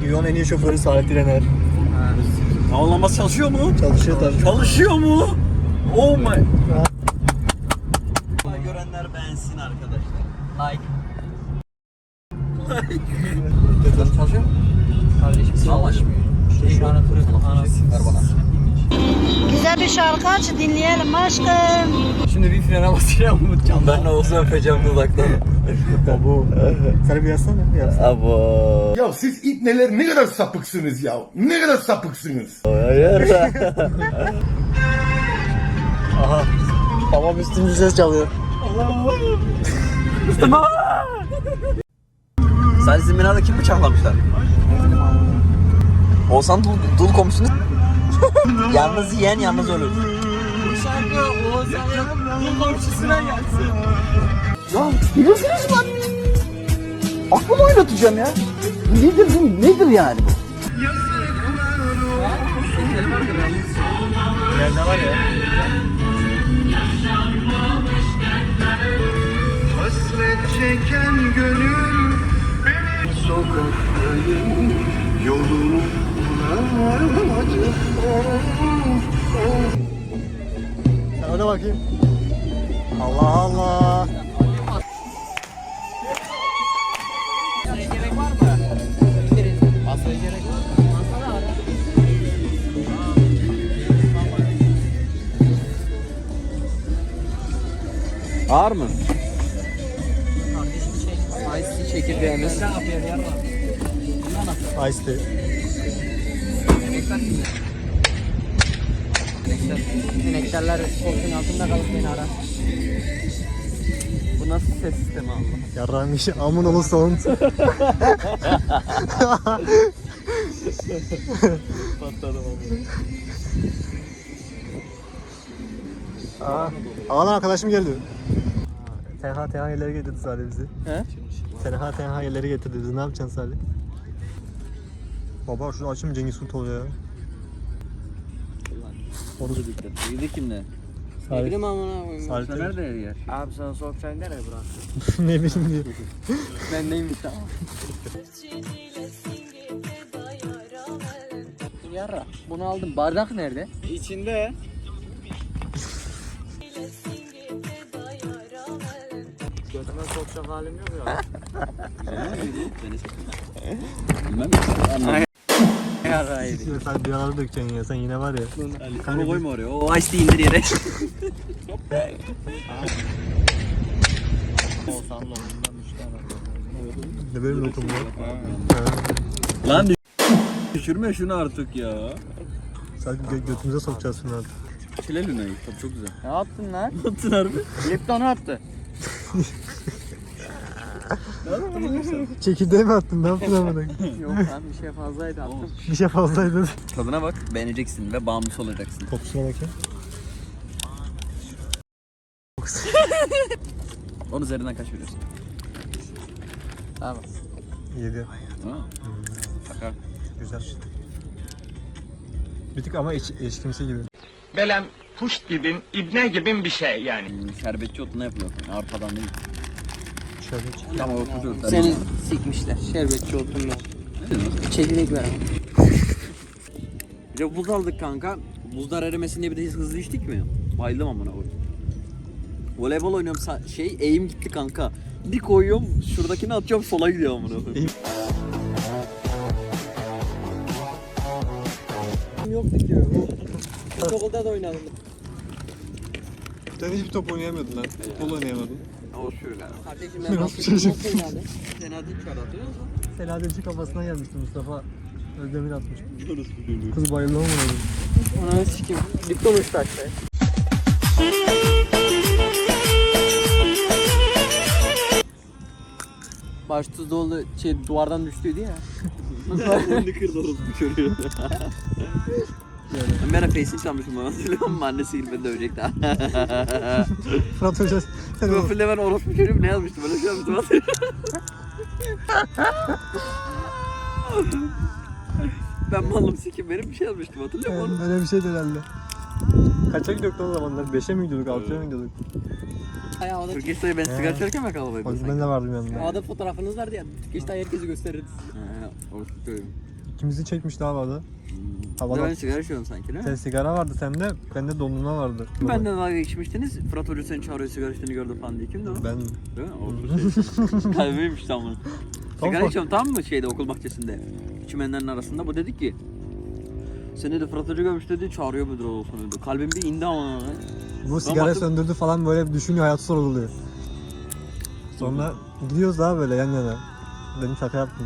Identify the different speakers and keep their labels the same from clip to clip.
Speaker 1: Dünyanın en iyi şoförü Salih Direner.
Speaker 2: Havalanması çalışıyor mu?
Speaker 1: Çalışıyor tabii.
Speaker 2: Çalışıyor mu? Oh my. Görenler beğensin arkadaşlar. Like. Çalışıyor mu?
Speaker 3: Kardeşim çalışmıyor. Şu an
Speaker 2: Ver bana.
Speaker 4: Güzel bir şarkı aç dinleyelim aşkım.
Speaker 3: Şimdi bir frene basacağım Umutcan.
Speaker 2: Ben ne olsa öpeceğim dudaktan.
Speaker 1: Abo. Sen bir yazsana. Yazsana.
Speaker 2: Abo.
Speaker 5: Ya siz ipneler ne kadar sapıksınız ya. Ne kadar sapıksınız.
Speaker 2: Hayır.
Speaker 1: Aha. Babam üstümüzü ses çalıyor.
Speaker 2: Sen sizin binada kim bıçaklamışlar? Oğuzhan dul komşunu yalnız yiyen yalnız ölür.
Speaker 3: Bu şarkı Oğuzhan'ın bu komşusuna gelsin.
Speaker 2: Ya bilirsiniz lan. Aklımı oynatacağım ya. Nedir bu? Nedir yani bu?
Speaker 1: Nerede var ya?
Speaker 5: Hasret çeken gönül beni sokakların yolunu bulacak.
Speaker 1: Sen ona bakayım. Allah Allah.
Speaker 3: Gerek var mı? Basaya gerek var mı? Basana ara.
Speaker 2: Ağır mı?
Speaker 3: Kardeşim Ice çekirdeğimiz. Ne yapıyor yer var?
Speaker 1: Ice tea.
Speaker 3: Sineklerler koltuğun altında kalıp beni arar.
Speaker 2: Bu nasıl ses sistemi Allah?
Speaker 1: Yarrağın işi amın oğlu soğun.
Speaker 2: Patladım
Speaker 1: Aa, ağlan arkadaşım geldi. Tenha yerleri getirdi Salih bizi.
Speaker 2: He?
Speaker 1: Tenha yerleri getirdi bizi. Ne yapacaksın Salih? Baba şunu açayım Cengiz Kurt oluyor ya.
Speaker 2: Onu da dikkat. Yedi kimle?
Speaker 3: Ne bileyim amına koyayım.
Speaker 1: Salih
Speaker 2: Sen nerede yer?
Speaker 3: Abi sana soğukçayı nereye bıraktın?
Speaker 1: ne bileyim diyor.
Speaker 3: Ben neymiş tamam. Yarra. Bunu aldım. Bardak nerede?
Speaker 2: İçinde.
Speaker 3: Götüme sokacak halim yok ya.
Speaker 2: Bilmem mi?
Speaker 3: Yarra yedi.
Speaker 1: Sen bir aralar dökeceksin ya. Sen yine var ya.
Speaker 2: Onu koyma oraya. O ice tea indir yere.
Speaker 1: Ne böyle bir lokum var?
Speaker 2: Lan düşürme şunu artık ya.
Speaker 1: Sadece götümüze sokacağız şunu artık.
Speaker 2: Çile Luna'yı. Tabii çok güzel.
Speaker 3: Ne yaptın lan?
Speaker 2: Ne yaptın harbi?
Speaker 3: Lipton'u attı.
Speaker 1: Çekirdeği mi attın? Ne yaptın amına?
Speaker 3: Yok lan bir şey fazlaydı attım.
Speaker 1: Bir şey fazlaydı.
Speaker 2: Tadına bak. Beğeneceksin ve bağımlısı olacaksın.
Speaker 1: Kokusuna bakayım.
Speaker 2: Onun üzerinden kaç veriyorsun?
Speaker 3: Tamam.
Speaker 1: 7.
Speaker 2: Ha? Şaka.
Speaker 1: Güzel. Bir tık ama eşkimsi gibi.
Speaker 6: Belem kuş gibin, ibne gibin bir şey yani.
Speaker 2: Şerbetçi otuna yapılıyor. Arpadan değil.
Speaker 1: Şöyle.
Speaker 2: Tamam oturuyor.
Speaker 3: Seni sikmişler. Şerbetçi oldum ya. Çekirdek ver.
Speaker 2: Bir de buz aldık kanka. Buzlar erimesin diye bir de hızlı içtik mi? Bayıldım amına koyayım. Voleybol oynuyorum eğim gitti kanka. Bir koyuyorum şuradakini atıyorum sola gidiyor amına koyayım.
Speaker 3: Yoktu ki. Okulda da oynadım.
Speaker 1: Sen hiçbir top oynayamıyordun lan. Futbol oynayamadın.
Speaker 2: O şöyle.
Speaker 3: Kardeşim
Speaker 1: ben basketbol
Speaker 3: oynadım.
Speaker 2: Fena değil şu an hatırlıyor musun?
Speaker 1: Selahattin kafasına gelmişti Mustafa. Özdemir atmıştı. Kız bayıldı ama
Speaker 3: Ona sikeyim. Lipton uçtu aşağıya. Baş tuz dolu duvardan düştüydü ya.
Speaker 2: Ne kırdı orası bu çocuğu. Ben bir ara Face'ini çalmışım bana hatırlıyor musun? Annesi gibi beni dövecekti.
Speaker 1: Fırat Hoca sen o
Speaker 2: Profilde ben orospu çocuğum ne yazmıştım? Böyle şey yazmıştım hatırlıyorum. Ben malım sikim benim bir şey yazmıştım hatırlıyor musun?
Speaker 1: öyle bir şeydi herhalde. Kaça gidiyorduk o zamanlar? 5'e mi gidiyorduk? 6'ya mı gidiyorduk?
Speaker 3: Hay havada.
Speaker 2: Türkiye'de ben sigara içerken mi kalabalık?
Speaker 1: Bak ben de vardım yanında.
Speaker 3: Havada fotoğrafınız vardı ya. Geçti herkesi gösterirdi.
Speaker 2: Orospu çocuğum.
Speaker 1: İkimizi çekmişti havada.
Speaker 2: Ben
Speaker 1: Havada
Speaker 2: sigara içiyorum sanki değil mi?
Speaker 1: sen sigara vardı sende, bende dondurma vardı.
Speaker 2: Benden dalga geçmiştiniz. Fırat Hoca seni çağırıyor sigara içtiğini gördüm falan diye. Kimdi o?
Speaker 1: Ben
Speaker 2: Değil mi? O kalbiymiş tam bunu. Sigara içiyorum tamam mı şeyde okul bahçesinde. Çimenlerin arasında. Bu dedi ki seni de Fırat Hoca görmüş dedi çağırıyor müdür olsun dedi. Kalbim bir indi ama.
Speaker 1: bu sigara
Speaker 2: baktım-
Speaker 1: söndürdü falan böyle düşünüyor, hayatı sorguluyor. Sonra gidiyoruz daha böyle yan yana. Dedim şaka yaptım.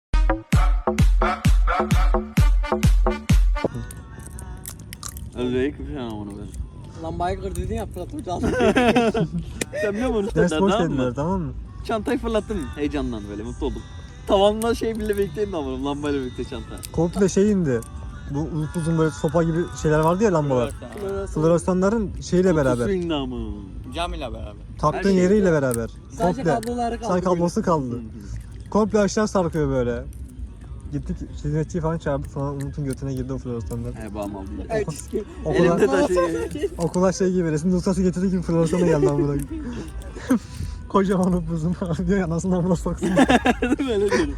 Speaker 2: Öyle bir şey ama onu ben.
Speaker 3: Lambayı kır dedin ya Fırat Hoca.
Speaker 2: Sen biliyor musun
Speaker 1: Ders
Speaker 2: üstadlar
Speaker 1: boş
Speaker 2: tamam
Speaker 1: dediler
Speaker 2: mı?
Speaker 1: tamam mı?
Speaker 2: Çantayı fırlattım heyecandan böyle mutlu oldum. Tavanla şey bile bekleyeyim ama lambayla birlikte çanta.
Speaker 1: Komple şey indi. Bu uzun böyle sopa gibi şeyler vardı ya lambalar. Floresanların şeyle beraber.
Speaker 2: Swing namı.
Speaker 3: Cam ile beraber.
Speaker 1: Taktığın
Speaker 2: Her şey
Speaker 1: yeriyle beraber.
Speaker 3: Sadece kabloları kaldı.
Speaker 1: Sadece kablosu kaldı. Komple aşağı sarkıyor böyle. Gittik hizmetçiyi falan çağırdık, sonra Umut'un götüne girdi o floresanlar.
Speaker 2: He bağım aldım.
Speaker 3: Evet çizgi.
Speaker 1: Okula,
Speaker 2: Elimde taşı.
Speaker 1: okula şey gibi, resim dosyası getirdiği gibi floresana geldi amına. Kocaman upuzun diyor ya, nasıl amına soksun.
Speaker 2: Böyle diyorum.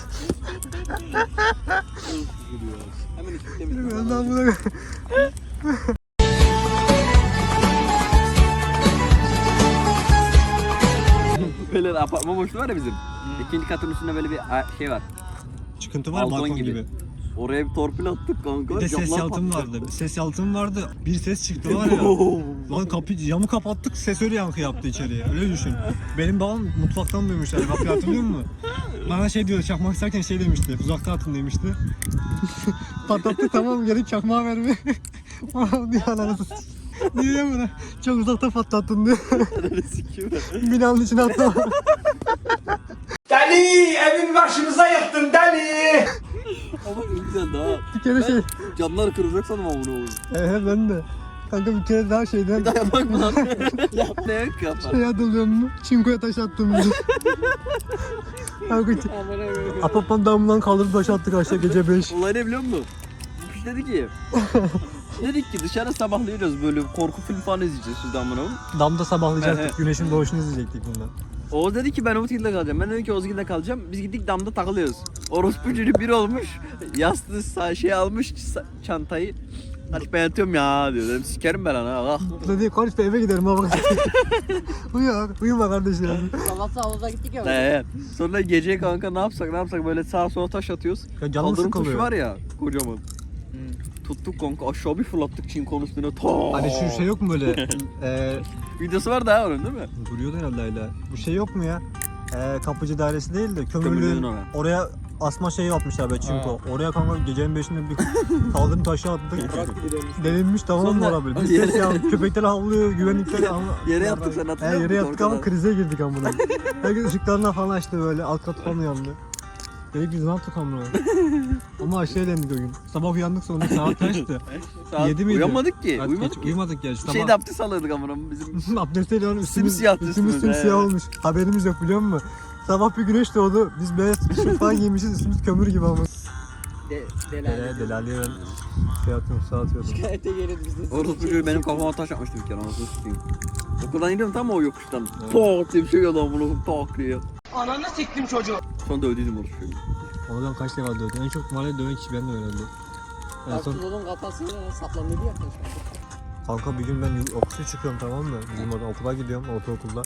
Speaker 2: Hemen üstüne
Speaker 1: Ben de amına.
Speaker 2: Böyle apartman boşluğu var ya bizim. İkinci katın üstünde böyle bir şey var.
Speaker 1: Çıkıntı var
Speaker 2: Balkon
Speaker 1: balkon
Speaker 2: gibi.
Speaker 1: gibi.
Speaker 2: Oraya bir torpil attık kanka.
Speaker 1: Bir de ses
Speaker 2: camlar
Speaker 1: yalıtım
Speaker 2: patladı.
Speaker 1: vardı. Ses yalıtım vardı. Bir ses çıktı var ya. Lan camı kapattık, ses öyle yankı yaptı içeriye. Öyle düşün. Benim babam mutfaktan duymuş yani. Kapıyı hatırlıyor musun? Bana şey diyor, çakmak isterken şey demişti. Uzakta atın demişti. Patlattı tamam, geri çakmağı verme. Babam diyor ananı diyor ya bana. Çok uzakta patlattın diyor. Binanın içine attı.
Speaker 6: Deli evin başımıza yıktın deli.
Speaker 2: Ama ne güzel daha.
Speaker 1: Bir kere şey.
Speaker 2: Camlar kırılacak sanırım ama bunu olur.
Speaker 1: Ben de. Kanka bir kere daha şeyden
Speaker 2: Dayanak mı lan? Ne kapar?
Speaker 1: şey hatırlıyor musun? Çinkoya taş attığımızı. Kanka Apapan damından kaldırıp taş attık aşağı gece 5.
Speaker 2: Olay ne biliyor musun? Bu piç dedi ki dedik ki dışarı sabahlıyoruz böyle korku film falan izleyeceğiz şuradan bunu.
Speaker 1: Damda
Speaker 2: He,
Speaker 1: sabahlayacaktık, güneşin doğuşunu izleyecektik bundan.
Speaker 2: Oğuz dedi ki ben Umutgil'de kalacağım. Ben dedim ki Oğuzgil'de kalacağım. Biz gittik damda takılıyoruz. Orospu çocuğu bir olmuş. Yastığı şey almış çantayı. Hadi ben yatıyorum ya diyor. Dedim sikerim ben ana. Ah.
Speaker 1: Dedi konuş be eve giderim baba. Uyuma kardeşlerim.
Speaker 3: Sabah havuza gittik ya.
Speaker 2: Sonra gece kanka ne yapsak böyle sağa sola taş atıyoruz.
Speaker 1: Ya canım
Speaker 2: Kaldırım kuşu
Speaker 1: sıkılıyor.
Speaker 2: var ya kocaman. Tuttuk kanka aşağı bir fırlattık çinkonun üstüne. Ta.
Speaker 1: Hani şu şey yok mu böyle?
Speaker 2: Videosu var daha onun değil mi?
Speaker 1: Duruyordu herhalde hala. Bu şey yok mu ya? Kapıcı dairesi değil de
Speaker 2: Kömürlüğün
Speaker 1: kömürlüğün
Speaker 2: oraya.
Speaker 1: oraya asma şeyi yapmışlar böyle çinko. Oraya kanka gecenin 5'inde bir kaldırım taşı attık. Delinmiş tamam mı
Speaker 2: Sonra
Speaker 1: orada böyle? Bir ses ya, köpekler havlıyor, güvenlikler
Speaker 2: Yere yattık sen hatırlıyor musun?
Speaker 1: Yere yattık ama
Speaker 2: Korkudan.
Speaker 1: krize girdik amına. Herkes ışıklarına falan açtı böyle, alt kat falan yandı. Dedik biz ne yaptık amına? Ama aşağı eğlendik o gün. Sabah uyandık sonra saat kaçtı?
Speaker 2: Saat-
Speaker 1: 7 miydi?
Speaker 2: Uyanmadık ki.
Speaker 1: Saat
Speaker 2: Uyumadık
Speaker 1: kaç?
Speaker 2: ki.
Speaker 1: Uyumadık ya. Sabah
Speaker 2: Şeyde abdest alırdık amına bizim.
Speaker 1: abdesteyle onun
Speaker 2: Simsiyah
Speaker 1: üstümüz
Speaker 2: üstümüz,
Speaker 1: simsiyah
Speaker 2: he.
Speaker 1: olmuş. Haberimiz yok biliyor musun? Sabah bir güneş doğdu. Biz beyaz tişört falan giymişiz. Üstümüz kömür gibi ama. Delaliye ben şey atıyorum, sağ atıyorum.
Speaker 3: Şikayete gelin bize.
Speaker 2: Orospu çocuğu benim kafama taş atmıştı bir kere anasını sikeyim. Okuldan iniyorum tam o yokuştan. Pok diye bir şey geldi amına pok diye.
Speaker 6: Ananı siktim çocuğu.
Speaker 2: Sonra dövdüydüm orospu çocuğu.
Speaker 1: Oradan kaç defa dövdüm. En çok mahallede döven kişi ben de herhalde. En son
Speaker 3: Abdülhamid'in kafasına saplanıyordu ya.
Speaker 1: kanka bir gün ben yokuşa çıkıyorum tamam mı? Bizim oradan okula gidiyorum, ortaokulda.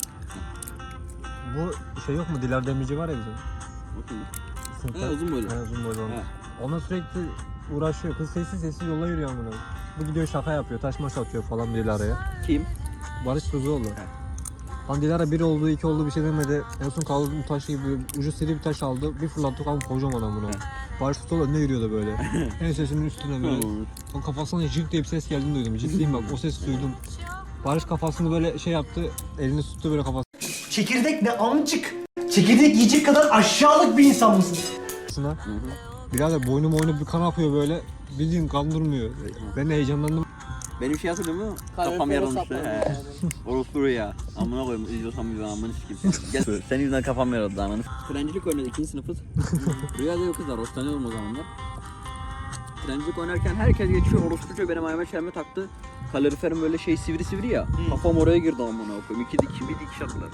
Speaker 1: Bu şey yok mu? Dilar Demirci var ya bizim. Sınıfta.
Speaker 2: He uzun böyle.
Speaker 1: He, uzun boylu olan.
Speaker 2: He.
Speaker 1: Ona sürekli uğraşıyor. Kız sessiz yola yürüyor amına. Bu gidiyor şaka yapıyor, taş maş atıyor falan Dilara'ya.
Speaker 2: Kim?
Speaker 1: Barış Tuzuoğlu. Lan Dilara 1 oldu, 2 oldu bir şey demedi. En son kaldırdım taşı gibi ucu seri bir taş aldı. Bir fırlattı ama kocaman amına. Barış Tuzuoğlu önüne yürüyordu böyle. En sesinin üstüne böyle. Son kafasına jik diye bir ses geldiğini duydum. Ciddiyim bak o sesi duydum. Barış kafasını böyle şey yaptı. Elini tuttu böyle kafasına.
Speaker 7: Çekirdek ne amcık? Çekirdek yiyecek kadar aşağılık bir insan mısın?
Speaker 1: Birader boynu bir kan akıyor böyle. Bildiğin kan durmuyor. Ben de heyecanlandım.
Speaker 2: Benim şey hatırlıyor musun? Kafam
Speaker 3: Kalorifere
Speaker 2: yarılmıştı.
Speaker 3: saplanıyor.
Speaker 2: Orospu ya. Amına koyayım izliyorsam bir amına sikeyim. Gel senin yüzünden kafam yarıldı ananı. Trencilik oynadık 2. sınıfız. Rüyada yok kızlar hoşlanıyorum o zamanlar. Trencilik oynarken herkes geçiyor orospu çocuğu benim ayağıma çelme taktı. Kaloriferim böyle şey sivri ya. Kafam oraya girdi amına koyayım. Bir dikiş attılar.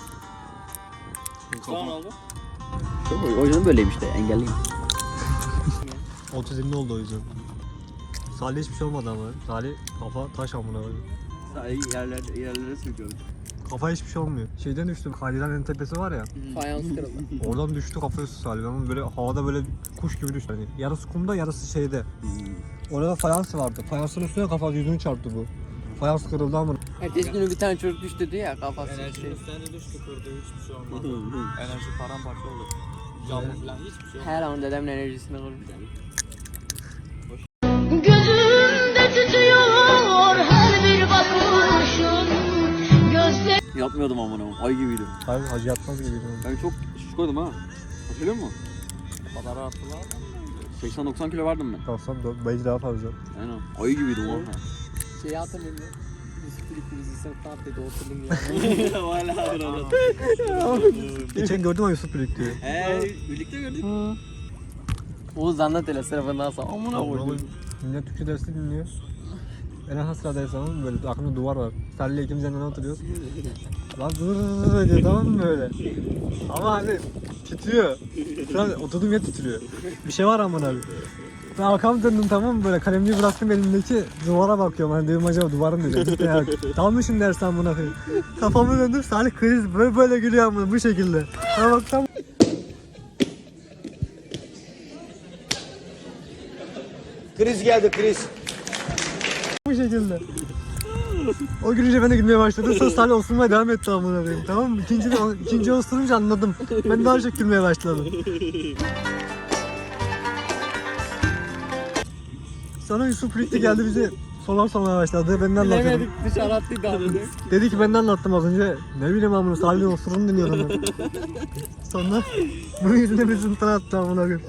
Speaker 3: Sonra oldu.
Speaker 2: O yüzden böyleyim işte engelliyim.
Speaker 1: otizmli oldu o yüzden. Salih hiçbir şey olmadı ama. Salih kafa taş amına koyayım.
Speaker 2: Yerlere sürüyorum.
Speaker 1: Kafa hiçbir şey olmuyor. Şeyden düştüm. Kaydıranın tepesi var ya.
Speaker 3: Fayans kırıldı.
Speaker 1: Oradan düştü kafa üstü Salih. Ama böyle havada böyle kuş gibi düştü. Hani yarısı kumda yarısı şeyde. Orada fayans vardı. Fayansın üstüne kafa yüzünü çarptı bu. Fayans kırıldı ama.
Speaker 3: Ertesi günü bir tane çocuk düştü diye ya kafası.
Speaker 8: Enerji üstlerine düştü kırdı hiçbir şey olmadı. Enerji paramparça oldu. Camı falan hiçbir şey olmadı.
Speaker 3: Her an dedemin enerjisini kırmış.
Speaker 4: Gözümde tütüyor her bir bakışın. Gözlerim
Speaker 2: Yapmıyordum amına koyayım. Ay gibiydim.
Speaker 1: Hayır hacı yatmaz gibiydi.
Speaker 2: Ben çok şişkoydum ha. Hatırlıyor musun?
Speaker 8: O kadar attılar.
Speaker 2: 80-90 kilo vardım ben.
Speaker 1: 94 belki daha fazla.
Speaker 2: Aynen. Ayı gibiydim oha.
Speaker 3: Şeyi hatırlayın mı? Yusuf Birlikte bizi sınıfta attıydı oturdum ya.
Speaker 2: Hala hatırladım.
Speaker 1: Geçen gördüm ama Yusuf birlikte.
Speaker 2: Birlikte gördük.
Speaker 3: Oğuz anlat hele sınıfından sonra. Amına koydum.
Speaker 1: Millet Türkçe dersi dinliyor. En az sıradayız ama böyle aklımda duvar var. Salih'le ikimiz yanına oturuyoruz. Lan dur diyor tamam mı böyle? Ama hani titriyor. Şu an oturduğum yer titriyor. Bir şey var amına abi. Ben arkamı döndüm tamam mı böyle kalemliği bıraktım elimdeki duvara bakıyorum hani dedim acaba duvarın dedim. Dalmışım dersen buna koyayım. Kafamı döndüm Salih kriz böyle gülüyor amına bu şekilde. Ha bak tam
Speaker 7: Kriz geldi kriz.
Speaker 1: bu şekilde. O gülünce ben de gülmeye başladım. Sonra Salih osurmaya devam etti amına koyayım. Tamam mı? İkinci osurunca anladım. Ben daha çok gülmeye başladım. Sonra Yusuf birlikte geldi bize sorular sormaya başladı. Ben de anlatıyorum.
Speaker 3: Bilemedik dışarı attıydı abi.
Speaker 1: Dedi ki ben de anlattım az önce. Ne bileyim amına Salih'in osurunu dinliyordum ben. Sonra bunun yüzüne bir sınıftan attı amına koyayım.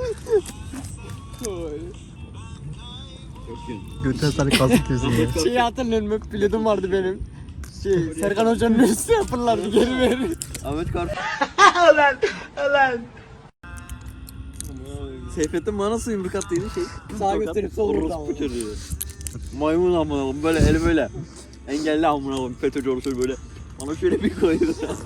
Speaker 1: Götüren Salih kazık kesin ya.
Speaker 3: Şeyi hatırlıyorum bak pilotum vardı benim. Serkan Hoca'nın üstü yapırlardı geri verir.
Speaker 2: Ahmet Kar.
Speaker 7: Ulan.
Speaker 2: Seyfettin bana nasıl yumruk attıydı şey.
Speaker 3: Sağa götürüp sol vurdu ama.
Speaker 2: Orospu çocuğu. Maymun amına koyayım böyle eli böyle. Engelli amına koyayım FETÖ'cü orospu böyle. Bana şöyle bir koydu.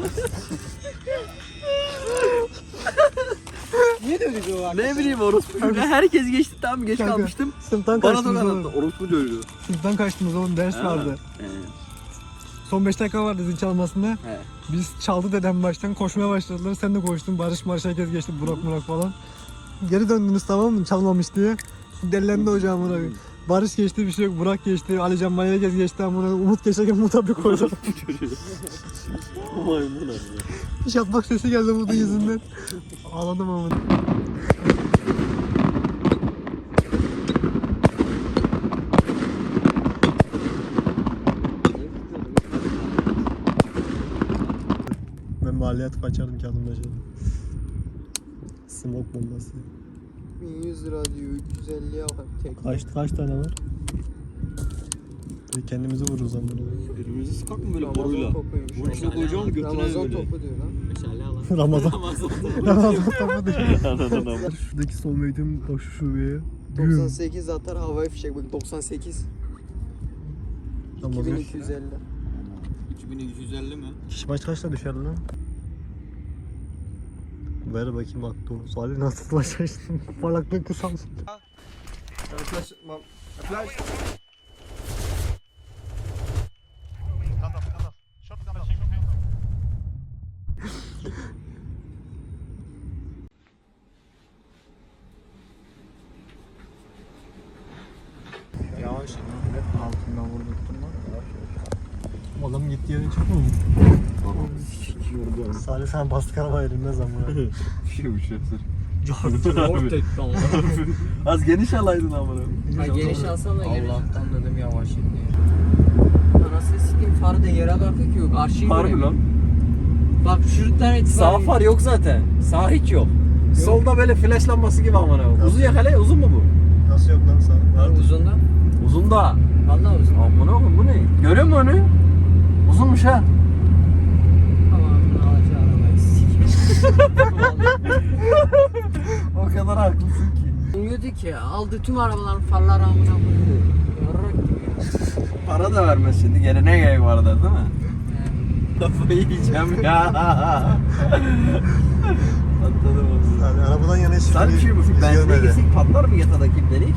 Speaker 3: Niye dövdük o arkadaş?
Speaker 2: Ne bileyim orospu çocuğu. Herkes geçti tamam geç
Speaker 1: Kanka,
Speaker 2: kalmıştım.
Speaker 1: Sınıftan
Speaker 2: Bana
Speaker 1: kaçtınız
Speaker 2: da
Speaker 1: oğlum.
Speaker 2: attı orospu çocuğu.
Speaker 1: Sınıftan kaçtınız oğlum ders vardı. Son 5 dakika vardı zil çalmasında.
Speaker 2: He.
Speaker 1: Biz çaldı dedem baştan koşmaya başladılar. Sen de koştun. Barış herkes geçti. Burak falan. Geri döndünüz tamam mı? Çalmamış diye. Delilendi hocam amına koyayım. Barış geçti bir şey yok. Burak geçti. Alican Maya herkes geçti amına koyayım. Umut geçerken Umut'a bir koydu.
Speaker 2: Maymun abi.
Speaker 1: Şapmak sesi geldi Umut'un yüzünden. Ağladım amına. Ben mahalleye atıp açardım kağıdımda şey. Smoke bombası.
Speaker 3: 1100 lira diyor 350'ye bak tek.
Speaker 1: Kaç tane var? Kendimizi vururuz ama.
Speaker 2: Birbirimizi sıkak mı böyle boruyla? Bunun içine koyacağım götüne
Speaker 3: Ramazan
Speaker 2: böyle.
Speaker 3: topu diyor lan.
Speaker 8: Meşale alan.
Speaker 1: Ramazan. Ramazan topu değil. Şuradaki son meydin koşu şubeye.
Speaker 3: 98 atar havai fişek bak 98.
Speaker 1: Ramazan.
Speaker 3: 2250.
Speaker 8: 2250 mi?
Speaker 1: Kişi başı kaçta düşer lan? Ver bakayım bak doğru. Salih nasıl ulaşacaksın? Parlaklığın kısalsın.
Speaker 8: Yavaş.
Speaker 1: Altından vurdurttum lan. Adam gitti yere çıkmıyor mu? Salih sen bastık araba elinmez ama.
Speaker 2: Şey bu şey.
Speaker 8: Zor tek tamam.
Speaker 2: Az geniş alaydın amına.
Speaker 3: Ha geniş alsana da geniş. Allah'tan dedim yavaş in diye. Anasını sikeyim farı da yere kalkıyor ki yok. Arşiv
Speaker 2: Harbi lan.
Speaker 3: Bak şu tane
Speaker 2: Sağ far yok zaten. Sağ hiç yok. Solda böyle flash lambası gibi amına. Uzun ya hele uzun mu bu?
Speaker 1: Nasıl yok lan sağ?
Speaker 3: uzunda.
Speaker 2: Uzun da.
Speaker 3: Vallahi uzun.
Speaker 2: Amına koyayım bu ne? Görüyor musun onu? Uzunmuş ha.
Speaker 3: Tamam alacağı arabayı sikeyim.
Speaker 2: O kadar haklısın ki.
Speaker 3: Diyordu ki aldı tüm arabaların farları amına koydu. Yarrak gibi.
Speaker 2: Para da vermez şimdi. Gene ne gerek var da değil mi? Kafayı yiyeceğim ya. Patladı bu.
Speaker 1: Yani arabadan yana hiç
Speaker 2: Sen bir şey bu film benzine girsek patlar mı yatağdaki ibnelik?